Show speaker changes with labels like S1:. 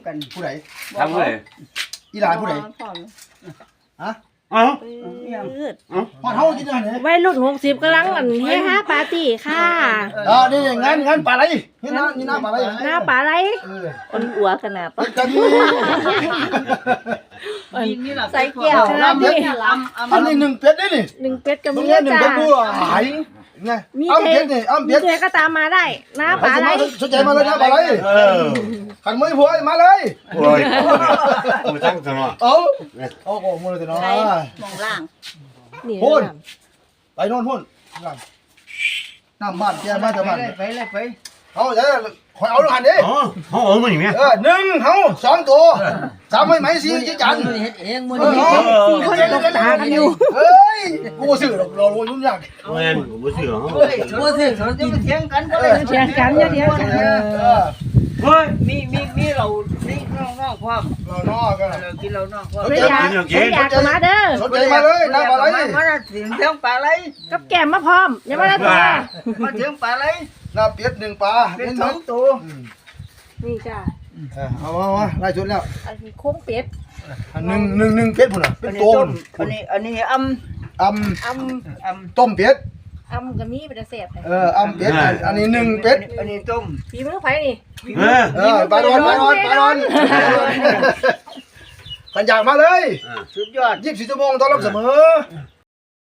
S1: กัน
S2: ผู้ใด
S3: ทำเลย
S2: อีหลานผู้ใดฮะ
S3: เอ้า
S2: พอเฮากินอาหารเนี่ย
S4: วัยรุ่น60กำลังเฮฮาปาร์ตี้ค่ะ
S2: นี่งานปลาไหลนี่น้ำปลาไหล
S4: หน้าปลาไหล
S5: คนอัวขนาด
S2: กันนี่
S5: ใส่แก้ว
S2: น้ำเป็ดอันนี้1เป็ดนี่
S4: 1เป็ดกับ
S2: มึ
S4: มี
S2: งเล่น1
S4: จ้า
S2: เป็ดบัวหายไงอ้ำเป็ดนี่อ้ำ
S4: มี
S2: เป็ด
S4: เธอก็ตามมาได้หน้าปลาไหล
S2: สนใจมาเลยนะปลาไหลขันมือผัวมาเลย
S3: โอ้ยมือตั้งตลอด
S2: เอาโอ้โหมือเลยเนาะ
S5: มองล่าง
S4: นี่
S2: พุ่นไปโน่นพุ่นน้ำบ้านแกบ้านแต่บ้าน
S1: ไปเลยไป
S2: เอาเดี๋ยวคอยเอาลูกหันดิ
S3: อ๋อเขาเอามาอย่างเนี้ย
S2: 1เฮา2ตัว3ไม่ไหม4จีจัน
S1: เฮ็ดเองมื้อ
S4: 4
S1: นี้
S4: คนตกตากันอยู่
S2: เฮ้ยกูซื้อรอยุ่งยาก
S3: แม่นผมไม่เชื่อเขา
S1: เฮ้ยบ่สิสนจะเถียงกันบ่ได้
S4: เถียงกันอย่าเถียงกัน
S3: เฮ้ย
S1: มีเรานี่น้องๆความ
S2: เรานอกกัน
S1: เรากินเราน้องความ
S4: ไม่อยากมาเด้อ
S2: สนใจมาเลยน้ำปลาไหล
S1: มาเถียงเถียงปลาไหล
S4: กับแก้มมาพร้อมอย่ามาได้ตัว
S1: มาเถียงปลาไหล
S2: น้ำเป็ด1ปลา
S1: เป็น2ตัว
S4: นี่จ้า
S2: เอาไล่ชุดแล้ว
S4: อันนี้โค้งเป็ด
S2: 1เป็ดพุ่นน่ะเป็นโตน
S1: อันนี้
S2: อต้มเป็ด
S4: อำก็มีเป็นแซ่บ
S2: เป็ดอันนี้1เป็ด
S1: อันนี้ต้ม
S4: ฝีมือไผนี่
S2: ปลาดอนขันอยากมาเลย
S1: สุดยอด
S2: 24 ชั่วโมงต้อนรับเสมอ